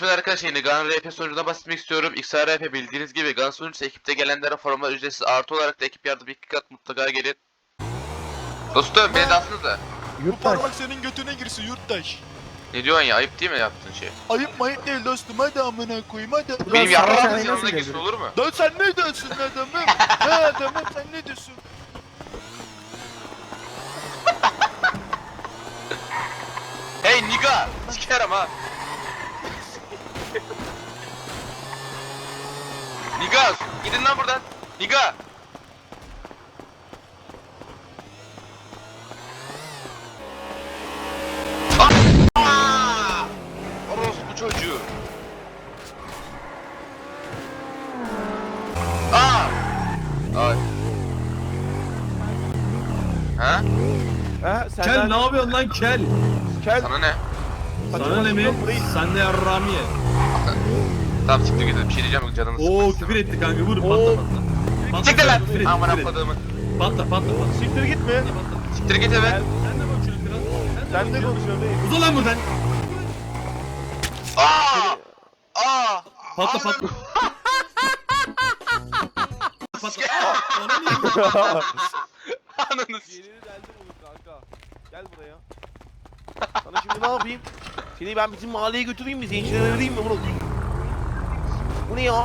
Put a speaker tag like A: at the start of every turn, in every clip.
A: Evet arkadaşlar, yine Gun RP sonucuna bahsetmek istiyorum. XRP bildiğiniz gibi Gun sonucusu ekipte gelenlere formalar ücretsiz, artı olarak da ekip yardım 2 kat mutlaka gelin. Dostum beni de atsanıza.
B: Bu parmak senin götüne girsin yurttaş.
A: Ne diyorsun ya, ayıp değil mi yaptığın şey?
B: Ayıp mayıp değil dostum, hadi amına koyayım hadi.
A: Benim
C: sana
A: yarrağımın
C: nasıl
A: yanına
C: gelir?
A: girsin olur mu?
B: Lan sen ne diyorsun adamım? Ne adamım sen ne diyorsun?
A: Hey nigga! Sikerim ha! Nigga! Gidin lan buradan! Nigga! Aaaa! Orospu çocuğu! Aa! Ay. Ha?
C: Ha sen
D: Kel ne yapıyorsun lan kel?
C: Kel.
A: Sana ne?
D: Sana ne mi? Sen de yarrağımı ye.
A: Tamam siktir git, bir şey diyeceğim, canını
D: Oo
A: sıkmasın.
D: küfür etti kanka, vur patla patla. Patla,
A: Siktir lan!
D: küfür etti,
A: Aman
D: küfür etti.
A: apladığımı.
D: Patla patla patla.
C: Siktir gitme.
D: Patla.
A: Siktir git eve.
D: Sen de konuşuyorsun biraz.
C: Sen de konuşuyorsun değil.
D: Uza lan buradan.
A: Aa! Aa!
D: Patla patla. Patla. Aa, bana niye vuruyorsun?
A: Ananı s***.
C: Yerini deldim oğlum kanka. Gel buraya. Sana şimdi ne yapayım? Seni ben bizim mahalleye götüreyim mi? Zencilere vereyim mi bunu? Bu ne ya?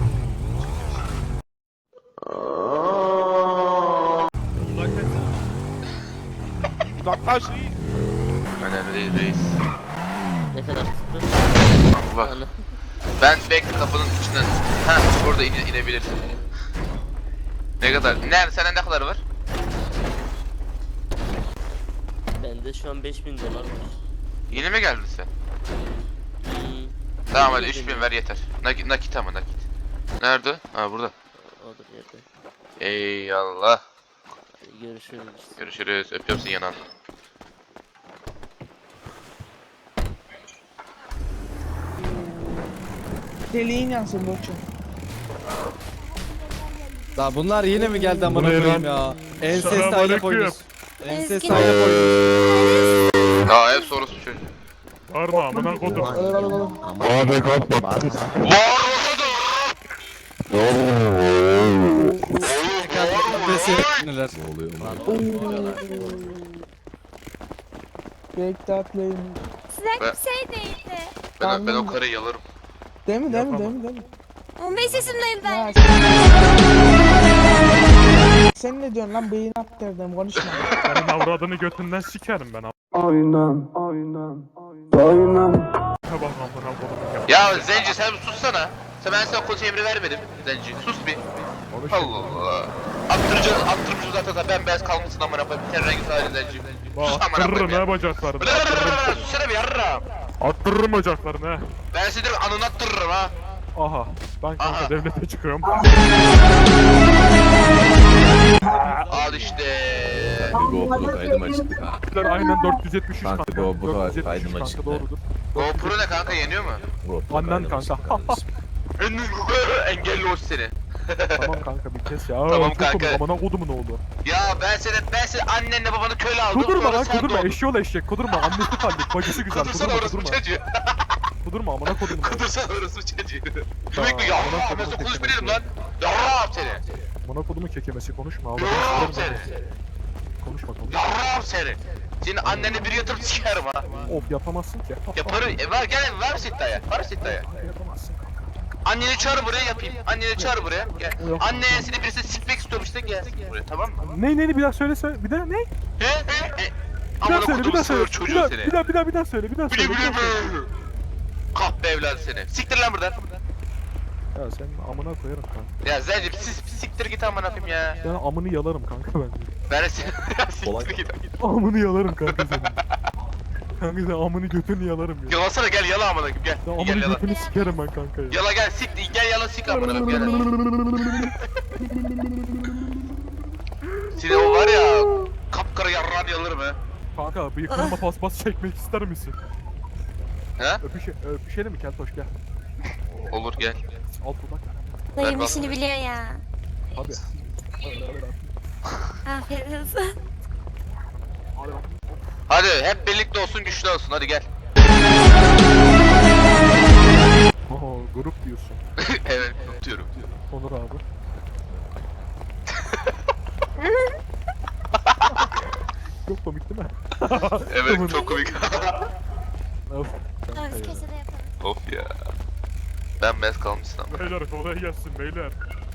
C: Uzaklaş.
A: Önemli değil reis.
E: Ne kadar tuttu?
A: Bak. Ben bekle kapının içinden. Ha, burada inebilirsin. Ne kadar? Nerede? Sende ne kadar var?
E: Bende şu an 5000 dolar var.
A: Yeni mi geldin sen?
E: Hmm,
A: Tamam hadi 3000 ver yeter. Nakit ama nakit. Nerede? Ha burada.
E: odur yerde.
A: Eyvallah.
E: Hadi görüşürüz.
A: Görüşürüz. Öpüyorum seni yanağından.
F: Deliğin yansın Burçin.
G: La bunlar yine mi geldi amına koyayım ya? Enses aile koymuş. Enses
H: Eski
G: aile koymuş.
A: Aa hep sorusu çocuğu.
B: Varma amına kodum.
A: Var
G: Neler?
F: Break that play'in.
H: size
A: Ben-
H: bir şey değildi.
A: Ben o karıyı yalarım.
F: Değil mi?
H: 15 yaşındayım ben.
F: Ha, sen ne diyorsun lan? Beyin at derdim, konuşma.
B: Senin avradını götünden sikerim ben. Bak amına kodum ya.
A: Ya Zenci sen bir sussana. Ben sana koç emri vermedim Zenci. Sus bir. Allah Allah. Attırmışım zaten da bembeyaz kalmışsın amına koyayım. Ten rengi sadece Zenci. Sus amına
B: Attırırım
A: koyayım
B: ha
A: ya.
B: bacaklarını.
A: Sussana bir yarrağım.
B: Attırırım bacaklarını ha.
A: Ben seni anını attırırım ha.
B: Aha. Ben kanka
A: Aha.
B: devlete çıkıyorum.
A: Al işte.
I: GoPro kaydım açık ha.
B: Aynen 473
I: Kanka,
B: kanka.
I: GoPro
B: 473
I: kaydım
B: kanka
I: açık.
B: doğrudur.
A: GoPro ne kanka, yeniyor mu?
I: GoPro
B: Annen
I: kaydım
B: kanka.
I: açık kardeşim.
A: Engelli hoş seni.
B: Tamam kanka bir kes ya.
A: Tamam
B: Çok
A: kanka.
B: komik, amına kodumun oğlu.
A: Ya ben seni annenle babanı köle aldım.
B: Kudurma
A: sonra
B: lan
A: sen
B: kudurma,
A: doğdun.
B: eşyol eşek kudurma, annesi kaldık, bacısı güzel,
A: Kudursana
B: kudurma
A: orası bu
B: kudurma.
A: çocuğu.
B: Kudurma amına kodumun.
A: Kudursana orası bu çocuğu.
B: Tamam,
A: Demek mi ya?
B: amına
A: Ben
B: kodum
A: sana
B: kekemesi.
A: konuşmayayım lan. Yarrağım seni.
B: Amına kodumun kekemesi konuşma, Allah'ım
A: Yarrağım
B: sikerim
A: seni.
B: ben. Konuşma konuşma.
A: Yarrağım seni. Senin annene bir yatırıp sikerim ha.
B: Of yapamazsın ki.
A: Yaparım. Var gel var mısın iddiaya? Var mısın iddiaya?
B: Yapamazsın kanka.
A: Anneni çağır buraya yapayım. Anneni çağır buraya. Gel. Anneye seni birisi sikmek istiyormuş da gelsin buraya, tamam mı?
B: Ne bir daha söyle bir daha ne?
A: He?
B: Bir daha
A: Amına
B: söyle bir
A: kodumun
B: daha söyle.
A: sığır çocuğu seni.
B: Bir daha söyle bir daha
A: Bili
B: söyle.
A: bili bili. Kahpe evladı seni. Siktir lan buradan.
B: Ya sen amına koyarım kanka.
A: Ya Zenci siktir git amına koyayım ya.
B: Ben amını yalarım kanka ben.
A: Ben de seni siktir git.
B: Amını yalarım kanka senin. Kanka sen amını götünü yalarım ya.
A: Yalasana gel yala amına koyayım gel.
B: Sen
A: Gel
B: amını
A: yala.
B: götünü sikerim ben kanka ya.
A: Yala gel sik gel yala sik amına koyayım gel. Seni o var ya kapkara yarrağını yalarım he.
B: Kanka bıyıklarıma paspas çekmek ister misin?
A: He?
B: Öpüşelim mi Keltoş gel.
A: Olur gel.
B: Al dudak.
H: Dayım
A: Ver
H: işini biliyor ya.
B: Hadi.
H: Afiyet olsun.
A: Hadi hep birlikte olsun güçlü olsun hadi gel. Evet unutuyorum.
B: Onur abi. Çok komik değil mi?
A: Evet çok komik.
B: Of.
H: Tamam biz köşede yapalım.
A: Of ya. Ben bez kalmışsın ama.
B: Beyler kolay gelsin beyler.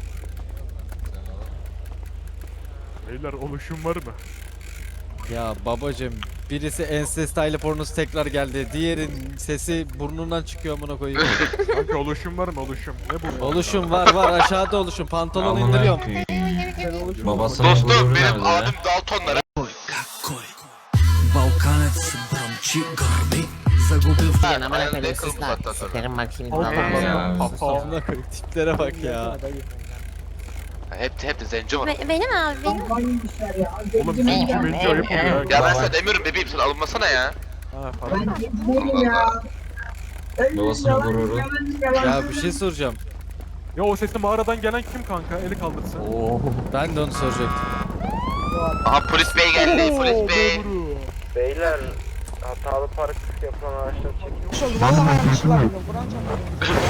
B: Beyler oluşum var mı?
G: Ya babacım birisi ensest aile pornosu tekrar geldi. Diğerin sesi burnundan çıkıyor amına koyayım.
B: Kanka oluşum var mı oluşum? Ne bu?
G: Oluşum var aşağıda oluşum. Pantolon indiriyorum.
I: Babası
A: Dostum benim abim Daltonlara.
E: Sen amına
A: ne
E: koyayım
A: kılmış
E: sus lan.
A: hatta sonra.
E: Sikerim bak şimdi.
I: Ya.
G: Amına koyayım tiplere bak ya.
A: Hep de zenci var.
H: Benim abi benim.
B: Oğlum zenci menci ayıp oluyor ya.
A: Ya ben sana demiyorum bebeğim sen alınmasana ya.
B: Ha pardon.
I: Babasının gururu.
G: Ya bir şey soracağım.
B: Ya o sesli mağaradan gelen kim kanka? Eli kaldırsın.
G: Ben de onu soracaktım.
A: Aha polis bey geldi polis bey.
C: Beyler hatalı park yapılan araçları çekin.
F: Vallahi yanlışlıkla gidiyorum. Buran çarpıyor.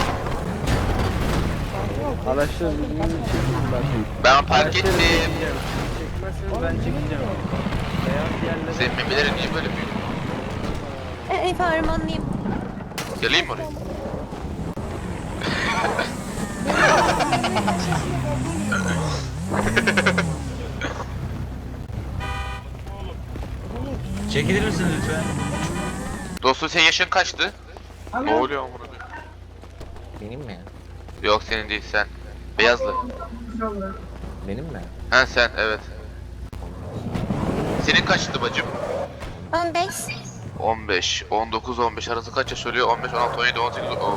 C: Araçları düzgün çekin bak.
A: Ben park ettim.
C: Çekmezseniz ben çekeceğim. Beyaz yerlere
A: Senin memelerin niye böyle büyük?
H: Harmanlıyım.
A: Geleyim mi oraya?
D: Çekilir misiniz lütfen?
A: Dostum senin yaşın kaçtı? Ne oluyor amına koyayım?
E: Benim mi?
A: Yok senin değil sen. Beyazlı.
E: Benim mi?
A: Ha sen evet. Senin kaçtı bacım?
H: 15.
A: 15, 19, 15 arası kaç yaş oluyor? 15, 16, 17, 18. Oo.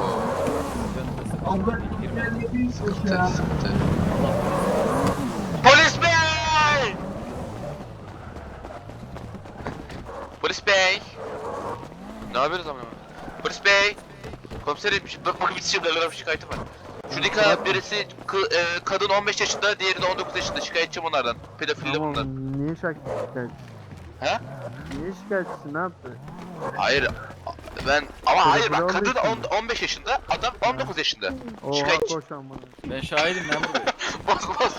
A: Sıkıntı, sıkıntı. Polis bey! Polis bey! Ne yapıyoruz amına? Polis bey! Komiserim, bakın bitişimde şikayetim var. Şuradaki birisi kadın 15 yaşında, diğeri de 19 yaşında. Şikayetçiyim onlardan. Pedofili bunlar.
C: Niye şikayetçisin?
A: He?
C: Niye şikayetçisin? Ne yaptı?
A: Hayır. Ben ama hayır bak
C: Pedofili
A: kadın
C: olmuş
A: 15 yaşında, adam 19 yaşında. Şikayetçi.
C: Koş amına.
G: Ben şahidim lan buraya.
A: Bas.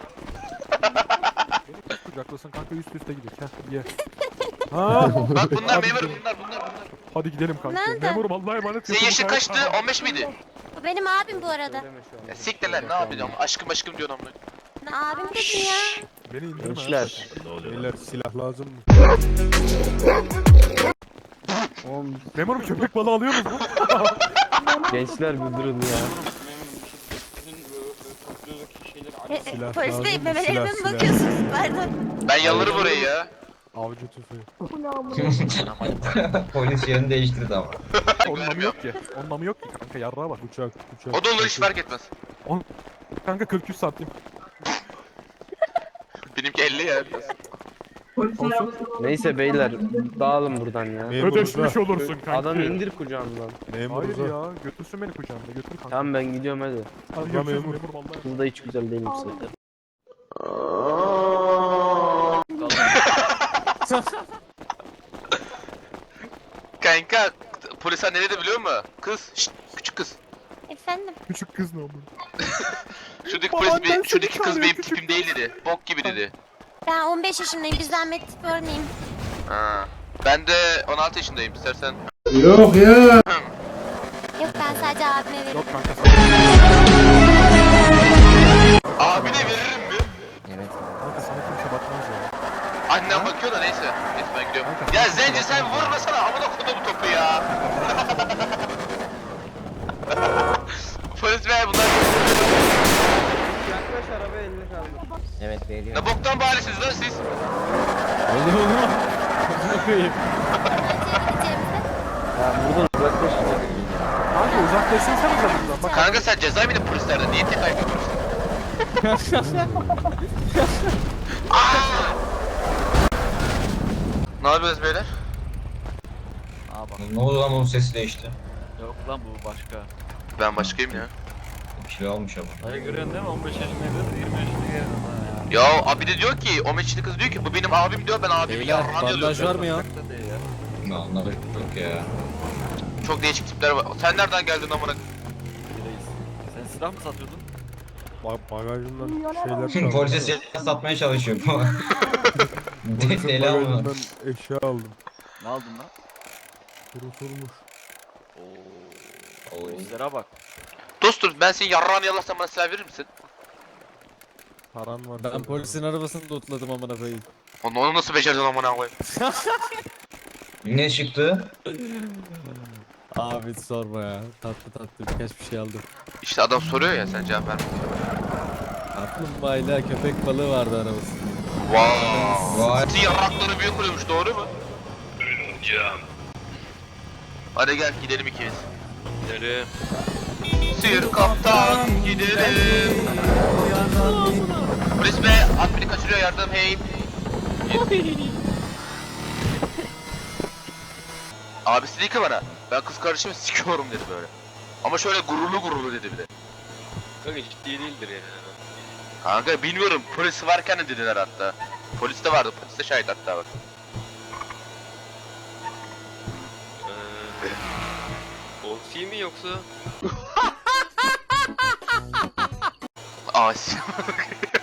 B: Kucaklasın kanka üst üste gidelim. Heh ye. Ha.
A: Bak bunlar
B: Hadi
A: memur
B: gidelim.
A: bunlar.
B: Hadi gidelim kanka.
H: Nerede?
B: Memurum Allah'a emanet.
A: Senin yaşın
B: Yatırım
A: kaçtı?
B: kayıt-
A: 15 miydi?
H: Bu benim abim bu arada.
A: Ya siktir lan ne yapacağım? Aşkım diyorsun amına.
H: Abim dedin ya.
B: Beni indirme.
C: Gençler.
B: Beyler silah lazım mı? Memurum köpek balığı alıyor musun?
C: Gençler bir durun ya.
B: Silah
H: Polis bey
B: lazım,
H: memelerime mi
B: silah.
H: bakıyorsunuz? Pardon.
A: Ben yallarım orayı ya.
B: Avcı tüfeği.
I: Polis yerini değiştirdi ama.
B: Onun namı yok ki. Onun namı yok ki kanka yarrağa bak. Uçak.
A: O da olur hiç fark etmez.
B: Kanka 43 santim.
A: Benimki 50 ya.
B: Olsun.
C: Neyse beyler dağılın buradan ya.
B: Ödeşmiş olursun kanka.
C: Adamı indir kucağımdan.
B: Hayır ya götürsün beni kucağında götür kanka.
C: Tamam ben gidiyorum hadi.
B: Hadi görüşürüz memur vallahi.
C: Kız da hiç güzel değilim size.
A: Kanka polisler ne dedi biliyor musun? Kız, şşt, küçük kız.
H: Efendim.
B: Küçük kız ne oldu?
A: Şuradaki
B: Baban
A: polis
B: ben
A: şuradaki
B: seni
A: kız benim
B: çağırıyor,
A: tipim değil dedi. Bok gibi dedi.
H: Ben 15 yaşındayım. Bir zahmet örneğim.
A: Ha. Ben de 16 yaşındayım istersen.
H: Yok ben sadece abime veririm.
B: Yok kanka
A: Abine veririm mi?
E: Evet.
B: kanka sana kimse bakmaz ya.
A: Annem bakıyor da neyse. Neyse ben gidiyorum. Ya Zenci sen vurmasana amına koydum bu topu ya. Polis bey bunlar
C: Yaklaş araba elini kaldır.
E: Evet veriyorum.
A: ne boktan bahanesiniz lan siz?
G: Öyle olur mu? Amına koyayım.
C: Ya buradan uzaklaş.
B: Kanka uzaklaşsın sen uzaklaşsın. Bak
A: Kanka sen ceza mıydın polislerden? Niye tek ayak yapıyorsun? Ne yapıyoruz beyler?
I: Ne oldu lan onun sesi değişti?
G: Yok lan bu başka.
A: Ben başkayım ya.
I: Bir şey almış ama.
G: Dayı görüyorsun değil mi? 15 yaşındaydı 20 yaşında geldi.
A: Ya abi de diyor ki, o meçhili kız diyor ki bu benim abim diyor ben abimi
G: Beyler
A: ya.
G: bandaj var mı ya?
I: Ne anladık yok ya.
A: Çok değişik tipler var. Sen nereden geldin amına?
D: Silah mı satıyordun?
B: Bagajından şeyler çaldım.
I: Polise silah satmaya çalışıyor.
B: Polisin
I: Deli alma.
B: bagajından eşya aldım.
D: Ne aldın lan?
B: Kurutulmuş.
D: Oo. Polislere bak.
A: Dostum ben senin yarrağını yalarsam bana silah verir misin?
B: Paran var.
G: Ben polisin arabasını lootladım amına koyayım.
A: Onu nasıl becerdin amına koyayım?
I: Ne çıktı?
G: Abi sorma ya. Tatlı tatlı birkaç bir şey aldım.
A: İşte adam soruyor ya sen cevap verme.
G: Kaplumbağayla köpek balığı vardı arabasında.
A: Vay. Senin yarrakları büyük oluyormuş doğru mu? Hocam. Hadi gel gidelim ikimiz.
D: Gidelim.
A: Sir kaptan gidelim. Polis bey at beni kaçırıyor yardım hey. Abisi dedi ki bana ben kız kardeşimi sikiyorum dedi böyle. Ama şöyle gururlu dedi bir de.
D: Kanka ciddi değildir yani.
A: Kanka bilmiyorum polis varken de dediler hatta. Polis de vardı polis de şahit hatta bak.
D: Oksi mi yoksa?
A: Asi.